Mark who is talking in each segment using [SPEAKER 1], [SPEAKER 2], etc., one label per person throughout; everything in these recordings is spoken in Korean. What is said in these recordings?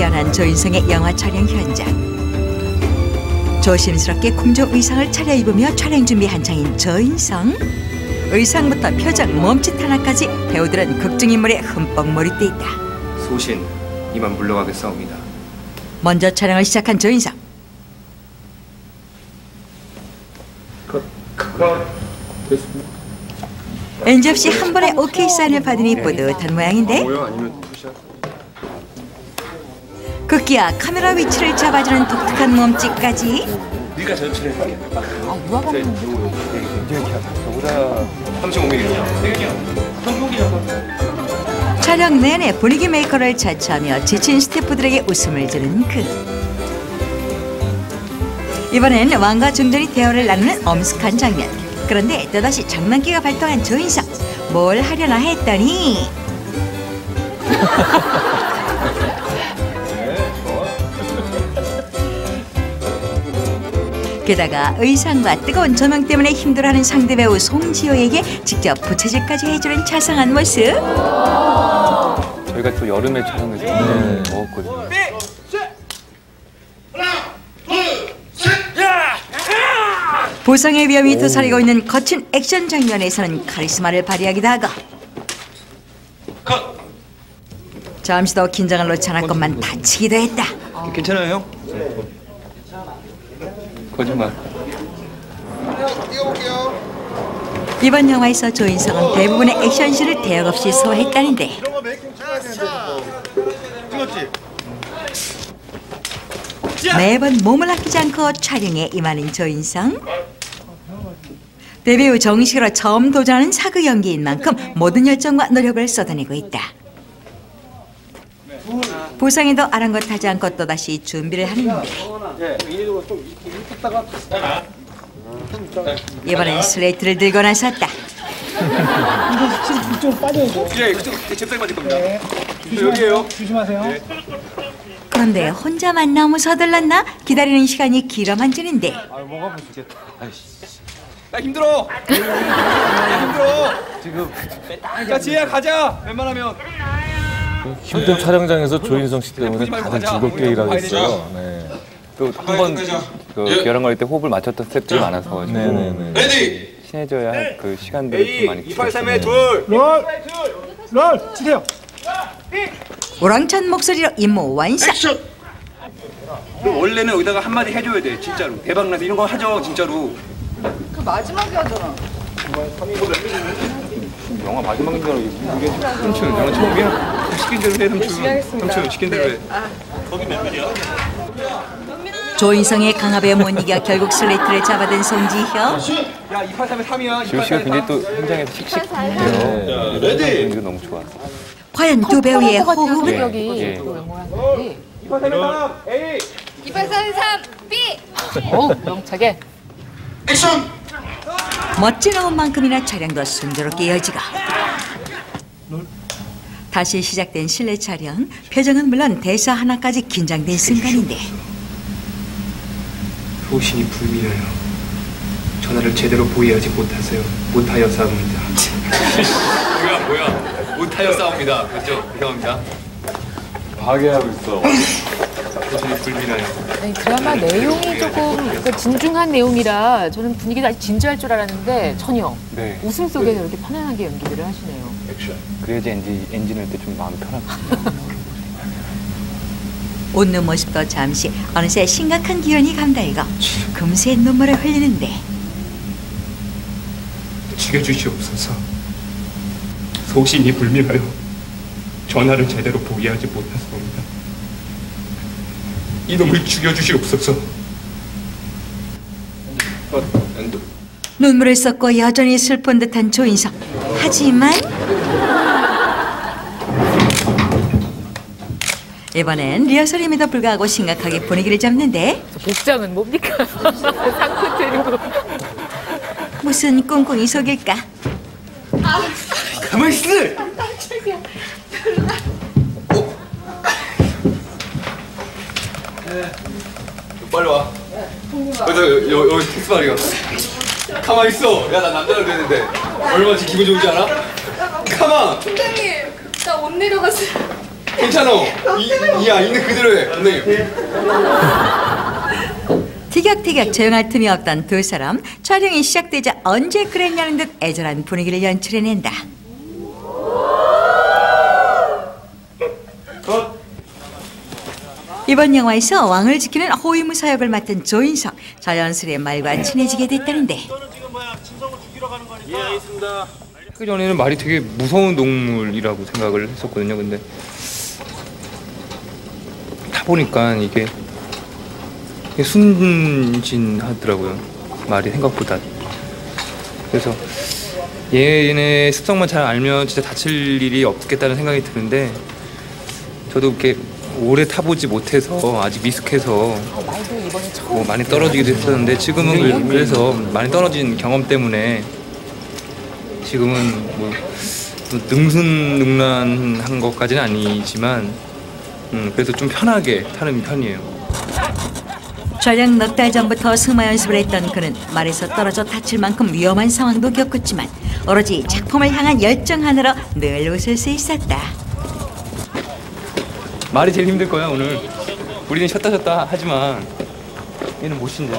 [SPEAKER 1] 미안한 조인성의 영화 촬영 현장. 조심스럽게 kum조 의상을 차려입으며 촬영 준비 한창인 조인성. 의상부터 표정, 몸짓 하나까지 배우들은 극중인물에 흠뻑 몰입돼 있다.
[SPEAKER 2] 소신, 이만 물러가겠사옵니다.
[SPEAKER 1] 먼저 촬영을 시작한 조인성. NG 없이 한 번에 오케이 사인을 받으니 뿌듯한 모양인데 급기야 카메라 위치를 잡아주는 독특한 몸짓까지.
[SPEAKER 2] 네가 전출해 볼게.
[SPEAKER 3] 누가 봤는데?
[SPEAKER 2] 35mm.
[SPEAKER 1] 촬영 내내 분위기 메이커를 자처하며 지친 스태프들에게 웃음을 주는 그. 이번엔 왕과 중전이 대화를 나누는 엄숙한 장면. 그런데 또다시 장난기가 발동한 조인성. 뭘 하려나 했더니 게다가 의상과 뜨거운 조명 때문에 힘들어하는 상대 배우 송지효에게 직접 부채질까지 해주는 자상한 모습.
[SPEAKER 4] 저희가 또 여름에 촬영해서 굉장히 더웠거든요.
[SPEAKER 1] 보상의 위험이 도사리고 있는 거친 액션 장면에서는 카리스마를 발휘하기도 하고 잠시 더 긴장을 놓지 않았건만 다치기도 했다.
[SPEAKER 2] 괜찮아요, 형?
[SPEAKER 4] 거짓말.
[SPEAKER 1] 이번 영화에서 조인성은 대부분의 액션씬을 대역 없이 소화했다는데 매번 몸을 아끼지 않고 촬영에 임하는 조인성. 데뷔 후 정식으로 처음 도전하는 사극 연기인 만큼 모든 열정과 노력을 쏟아내고 있다. 보상에도 아랑곳하지 않고 또다시 준비를 하는데 이번엔 슬레이트를 들고 나섰다.
[SPEAKER 5] 이거 좀 빠져야 돼.
[SPEAKER 2] 예, 그쪽 잽싸게 맞을 겁니다.
[SPEAKER 5] 네.
[SPEAKER 2] 여기에요.
[SPEAKER 5] 조심하세요.
[SPEAKER 2] 네.
[SPEAKER 1] 그런데 혼자만 너무 서둘렀나? 기다리는 시간이 길어만 지는데
[SPEAKER 4] 뭐가 보시겠다.
[SPEAKER 2] 나 힘들어. 힘들어. 지금. 자, 지혜야 가자. 웬만하면.
[SPEAKER 4] 힘든 촬영장에서 조인성 씨 때문에 다들 즐겁게 일하겠어요. 네. 또 한 번 그 벼랑거릴 때 호흡을 맞췄던 스태프들이 많아서
[SPEAKER 2] 레디.
[SPEAKER 4] 친해져야 할 그 시간들을 좀 많이
[SPEAKER 2] 283에 둘.
[SPEAKER 5] 롤 치세요.
[SPEAKER 1] 우렁찬 목소리로 임무 완성.
[SPEAKER 2] 원래는 여기다가 한마디 해줘야 돼, 진짜로. 대박나서 이런 거 하죠, 진짜로.
[SPEAKER 3] 그 마지막에 하잖아.
[SPEAKER 2] 영화 마지막인 줄 알고 이게 삼촌 영화 처음이야? 시킨 대로 해, 삼촌. 삼촌 시킨 대로 해. 거기 몇 밀이야?
[SPEAKER 1] 조인성의 강압에 못 이겨 결국 슬레이트를 잡아든 송지효.
[SPEAKER 2] 야, 283에 3이야.
[SPEAKER 4] 지효 씨가 굉장히 또 현장에서 씩씩해요. 레디. 이거 너무 좋아.
[SPEAKER 1] 과연 두 배우의 호흡은?
[SPEAKER 3] 여기
[SPEAKER 2] 283에 3, A.
[SPEAKER 3] 2833 B. 오, 명차게.
[SPEAKER 2] 액션.
[SPEAKER 1] 멋진 호흡만큼이나 촬영도 순조롭게 이어지고 다시 시작된 실내 촬영. 표정은 물론 대사 하나까지 긴장된 순간인데
[SPEAKER 2] 소신이 불미나요. 전화를 제대로 보이하지 못하였사옵니다. 뭐야 못하였사옵니다. 그렇죠? 죄송합니다.
[SPEAKER 4] 파괴하고 있어.
[SPEAKER 2] 소신이 불미나요.
[SPEAKER 3] 아니, 드라마 내용이 조금 진중한 내용이라 저는 분위기가 아주 진지할 줄 알았는데 전혀
[SPEAKER 4] 네.
[SPEAKER 3] 웃음 속에서 이렇게 편안하게 연기들을 하시네요.
[SPEAKER 4] 그래야지 엔진 할 때 좀 마음 편하거든요.
[SPEAKER 1] 웃는 모습도 잠시 어느새 심각한 기운이 감다이고 금세 눈물을 흘리는데
[SPEAKER 2] 죽여주시옵소서. 소신이 불미나요. 전화를 제대로 보이하지 못하사옵니다. 이놈을 죽여주시옵소서.
[SPEAKER 1] 눈물을 쏟고 여전히 슬픈 듯한 조인성. 하지만 이번엔 리허설임에도 불구하고 심각하게 분위기를 잡는데
[SPEAKER 3] 복장은 뭡니까? 상표 때리고.
[SPEAKER 1] 무슨 꿍꿍이 속일까?
[SPEAKER 2] 가만히 있어! 빨리 와. 여기 텍스 말이야. 가만히 있어. 야, 나 남자로 되는데 얼마나 기분 좋은지 알아? 가만!
[SPEAKER 6] 팀장님, 나 못 내려갔어요.
[SPEAKER 2] 괜찮아. 이야 있는 그대로 해. 감독님.
[SPEAKER 1] 티격태격 조용할 틈이 없던 두 사람. 촬영이 시작되자 언제 그랬냐는 듯 애절한 분위기를 연출해낸다. 이번 영화에서 왕을 지키는 호위무사 역을 맡은 조인성. 자연스레 말과 친해지게 됐다는데.
[SPEAKER 2] 하기 전에는 말이 되게 무서운 동물이라고 생각을 했었거든요. 근데 타보니까 이게 순진하더라고요. 말이 생각보다. 그래서 얘네 습성만 잘 알면 진짜 다칠 일이 없겠다는 생각이 드는데 저도 이렇게 오래 타보지 못해서 아직 미숙해서
[SPEAKER 3] 말도 이번에 처음.
[SPEAKER 2] 뭐 많이 떨어지기도 했었는데 지금은 그래서 많이 떨어진 경험 때문에 지금은 뭐 능순능란한 것까지는 아니지만 그래서 좀 편하게 타는 편이에요.
[SPEAKER 1] 촬영 넉 달 전부터 승마 연습을 했던 그는 말에서 떨어져 다칠 만큼 위험한 상황도 겪었지만 오로지 작품을 향한 열정 하나로 늘 웃을 수 있었다.
[SPEAKER 2] 말이 제일 힘들 거야 오늘. 우리는 쉬었다 쉬었다 하지만 얘는 못 쉰대.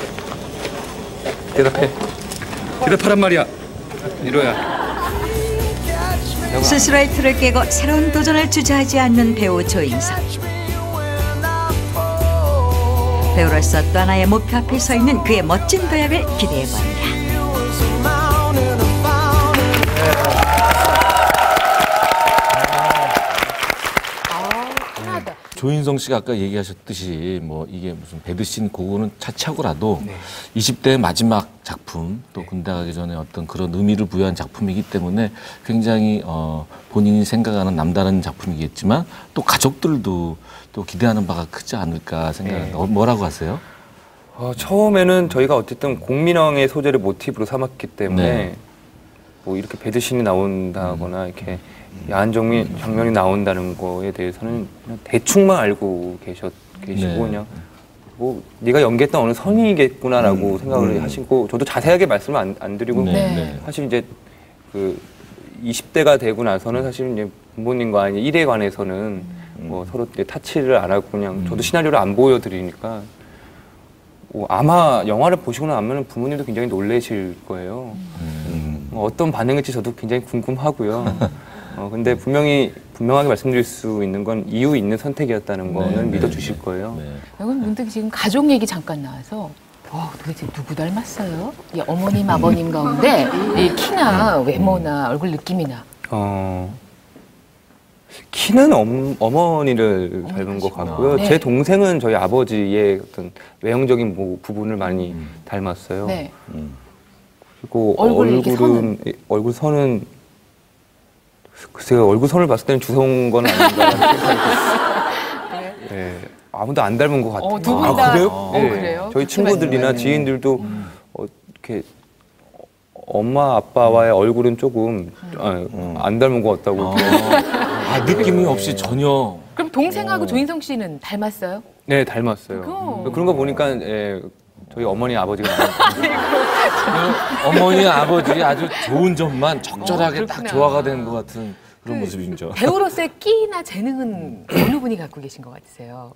[SPEAKER 2] 대답해. 대답하란 말이야. 이러야.
[SPEAKER 1] 스스로의 틀을 깨고 새로운 도전을 주저하지 않는 배우 조인성. 배우로서 또 하나의 목표 앞에 서 있는 그의 멋진 도약을 기대해봅니다.
[SPEAKER 4] 조인성 씨가 아까 얘기하셨듯이 뭐 이게 무슨 배드신 그거는 차치하고라도 20대 마지막 작품 또 군대 가기 전에 어떤 그런 의미를 부여한 작품이기 때문에 굉장히 본인이 생각하는 남다른 작품이겠지만 또 가족들도 또 기대하는 바가 크지 않을까 생각합니다. 뭐라고 하세요?
[SPEAKER 2] 처음에는 저희가 어쨌든 공민왕의 소재를 모티브로 삼았기 때문에
[SPEAKER 4] 네.
[SPEAKER 2] 뭐 이렇게 배드신이 나온다거나 이렇게 야한 장면이 나온다는 거에 대해서는 그냥 대충만 알고 계시고
[SPEAKER 4] 네.
[SPEAKER 2] 그냥 뭐 네가 연기했던 어느 선이겠구나라고 생각을 하시고 저도 자세하게 말씀을 안 드리고 사실 이제 그 20대가 되고 나서는 사실 이제 부모님과 일에 관해서는 뭐 서로 이제 타치를 안 하고 그냥 저도 시나리오를 안 보여드리니까 아마 영화를 보시고 나면 부모님도 굉장히 놀라실 거예요. 어떤 반응일지 저도 굉장히 궁금하고요. 근데 분명하게 말씀드릴 수 있는 건 이유 있는 선택이었다는 거는 믿어주실 거예요.
[SPEAKER 3] 이건 문득 지금 가족 얘기 잠깐 나와서 도대체 누구 닮았어요? 이 어머님, 아버님 가운데 이 키나 외모나 얼굴 느낌이나.
[SPEAKER 2] 키는 어머니를 닮은 것 같고요.
[SPEAKER 3] 네.
[SPEAKER 2] 제 동생은 저희 아버지의 어떤 외형적인 부분을 많이 닮았어요.
[SPEAKER 3] 네.
[SPEAKER 2] 그리고 얼굴 선은 글쎄요, 얼굴 선을 봤을 때는 주성훈 건 아닌가 생각이 네, 아무도 안 닮은 것 같아요.
[SPEAKER 3] 두 분 다.
[SPEAKER 2] 그래요? 네.
[SPEAKER 3] 그래요?
[SPEAKER 2] 저희 친구들이나 지인들도 이렇게 엄마 아빠와의 얼굴은 조금 안 닮은 것 같다고.
[SPEAKER 4] 느낌이 없이 전혀.
[SPEAKER 3] 그럼 동생하고 조인성 씨는 닮았어요?
[SPEAKER 2] 네, 닮았어요. 그런 거 보니까 저희 어머니 아버지가
[SPEAKER 4] 어머니 아버지 아주 좋은 점만 적절하게 딱 조화가 된 것 같은 그런 모습이죠.
[SPEAKER 3] 배우로서의 끼나 재능은 어느 분이 갖고 계신 것 같으세요?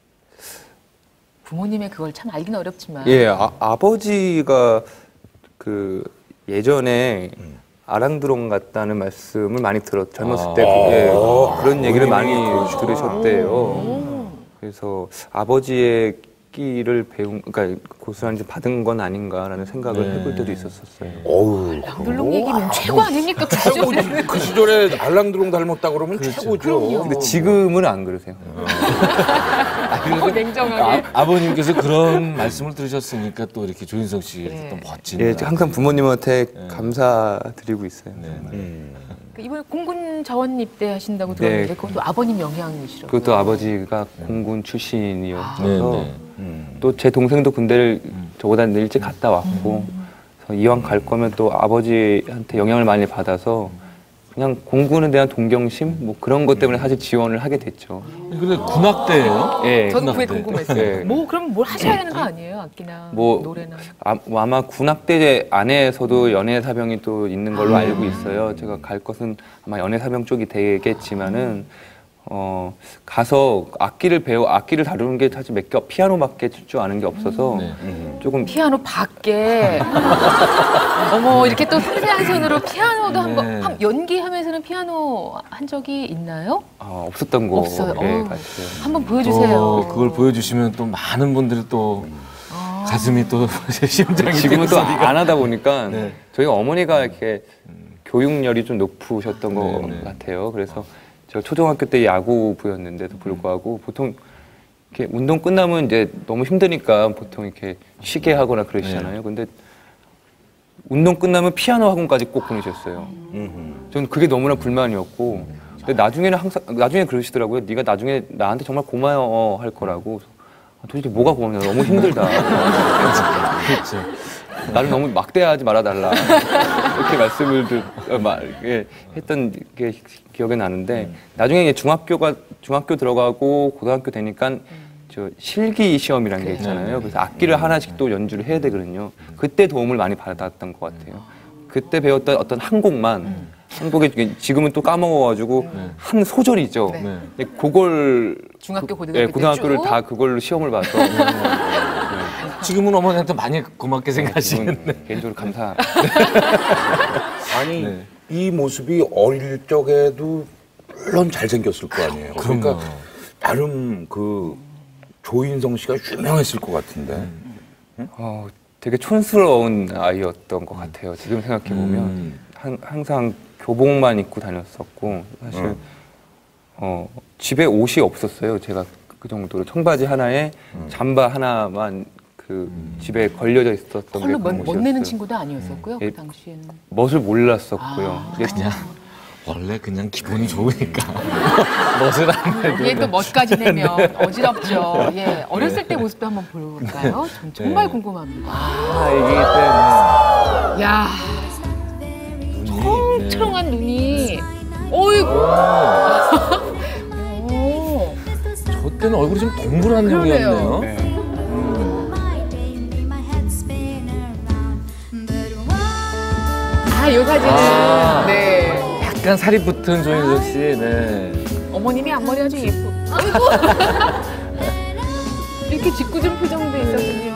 [SPEAKER 3] 부모님의 그걸 참 알기는 어렵지만.
[SPEAKER 2] 아버지가 그 예전에 아랑드롱 같다는 말씀을 많이 젊었을 때 그런 얘기를 많이 들으셨대요. 그래서 아버지의 끼를 그러니까 고스란히 받은 건 아닌가라는 생각을 해볼 때도 있었었어요.
[SPEAKER 3] 랑드롱 얘기면 최고 아닙니까?
[SPEAKER 6] 최고지. 그 시절에 알랑드롱 닮았다 그러면 최고죠.
[SPEAKER 2] 근데 지금은 안 그러세요.
[SPEAKER 3] 냉정하게.
[SPEAKER 4] 아버님께서 그런 말씀을 들으셨으니까 또 이렇게 조인성 씨의 또 멋진.
[SPEAKER 2] 항상 부모님한테 감사드리고 있어요.
[SPEAKER 3] 이번에 공군 자원 입대하신다고 들었는데 그것도 아버님 영향이시라고요?
[SPEAKER 2] 그것도 아버지가 공군 출신이어서 또 제 동생도 군대를 저보다 일찍 갔다 왔고 그래서 이왕 갈 거면 또 아버지한테 영향을 많이 받아서 그냥 공군에 대한 동경심 뭐 그런 것 때문에 사실 지원을 하게 됐죠.
[SPEAKER 4] 근데 군악대예요?
[SPEAKER 2] 네.
[SPEAKER 3] 저도 그게 궁금했어요.
[SPEAKER 2] 네.
[SPEAKER 3] 그럼 뭘 하셔야 되는 거 아니에요? 악기나 노래나.
[SPEAKER 2] 아마 군악대 안에서도 연예사병이 또 있는 걸로 알고 있어요. 제가 갈 것은 아마 연예사병 쪽이 되겠지만은 가서 악기를 다루는 게 사실 피아노밖에 칠 줄 아는 게 없어서 조금
[SPEAKER 3] 피아노 밖에 어머 이렇게 또 섬세한 손으로 피아노도 한번 연기하면서는 피아노 한 적이 있나요?
[SPEAKER 2] 없었던 거
[SPEAKER 3] 없어요.
[SPEAKER 2] 같아요.
[SPEAKER 3] 한번 보여주세요.
[SPEAKER 4] 그걸 보여주시면 또 많은 분들이 또 가슴이 또 심장이
[SPEAKER 2] 지금은 또
[SPEAKER 4] 뛰는 소리가.
[SPEAKER 2] 안 하다 보니까
[SPEAKER 4] 네.
[SPEAKER 2] 저희 어머니가 이렇게 교육열이 좀 높으셨던 것
[SPEAKER 4] 네.
[SPEAKER 2] 같아요. 그래서 제가 초등학교 때 야구부였는데도 불구하고 보통 이렇게 운동 끝나면 이제 너무 힘드니까 보통 이렇게 쉬게 하거나 그러시잖아요. 근데 운동 끝나면 피아노 학원까지 꼭 보내셨어요. 저는 그게 너무나 불만이었고, 근데 나중에 그러시더라고요. 네가 나중에 나한테 정말 고마워할 거라고. 도대체 뭐가 고맙냐? 너무 힘들다.
[SPEAKER 4] 그렇죠.
[SPEAKER 2] 나를 너무 막대하지 말아달라. 이렇게 말씀을 했던 게 기억이 나는데, 나중에 이제 중학교 들어가고 고등학교 되니까 저 실기 시험이라는 게 있잖아요. 그래서 악기를 하나씩 또 연주를 해야 되거든요. 그때 도움을 많이 받았던 것 같아요. 그때 배웠던 어떤 한 곡에 지금은 또 까먹어가지고 한 소절이죠. 근데 그걸
[SPEAKER 3] 중학교 고등학교
[SPEAKER 2] 고등학교를
[SPEAKER 3] 쭉?
[SPEAKER 2] 다 그걸로 시험을 봐서
[SPEAKER 4] 지금은 어머니한테 많이 고맙게 생각하시겠네.
[SPEAKER 2] 개인적으로 감사.
[SPEAKER 6] 아니 이 모습이 어릴 적에도 물론 잘생겼을 거 아니에요. 그러니까 나름 그 조인성 씨가 유명했을 것 같은데.
[SPEAKER 2] 되게 촌스러운 아이였던 것 같아요. 지금 생각해 보면 항상 교복만 입고 다녔었고 사실 집에 옷이 없었어요. 제가 그 정도로 청바지 하나에 잠바 하나만 그 집에 걸려져 있었던 게
[SPEAKER 3] 컬러
[SPEAKER 2] 그런
[SPEAKER 3] 멋내는
[SPEAKER 2] 옷이었어요.
[SPEAKER 3] 친구도 아니었었고요.
[SPEAKER 2] 예.
[SPEAKER 3] 그 당시에는.
[SPEAKER 2] 멋을 몰랐었고요. 이제
[SPEAKER 4] 그냥 원래 그냥 기분이 좋으니까 멋을 안 내도
[SPEAKER 3] 이게 또 멋까지 내면 어지럽죠. 예, 어렸을 때 모습도 한번 볼까요? 전 정말 궁금합니다.
[SPEAKER 4] 이게
[SPEAKER 3] 야,
[SPEAKER 4] 눈이
[SPEAKER 3] 초롱한 눈이, 어이구. 오,
[SPEAKER 4] 저 때는 얼굴이 좀 동그란
[SPEAKER 3] 그러네요.
[SPEAKER 4] 형이었네요.
[SPEAKER 2] 네.
[SPEAKER 3] 이 사진은 네.
[SPEAKER 4] 약간 살이 붙은 조인성 씨. 네.
[SPEAKER 3] 어머님이 앞머리 아주 예쁘. 어이구. 이렇게 짓궂은 표정도 있었군요.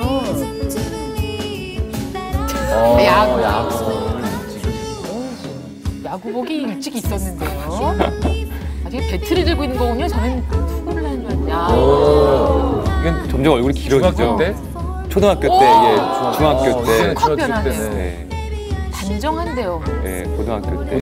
[SPEAKER 3] 야구. 야구복이 일찍 있었는데요. 아직 배트를 들고 있는 거군요. 저는 투구를 하는 줄 알았는데.
[SPEAKER 2] 이건 점점 얼굴이 길어지죠.
[SPEAKER 4] 중학교 때?
[SPEAKER 2] 초등학교 때, 중학교 때,
[SPEAKER 3] 확 변하네요.
[SPEAKER 2] 네,
[SPEAKER 3] 단정한데요.
[SPEAKER 2] 고등학교 때.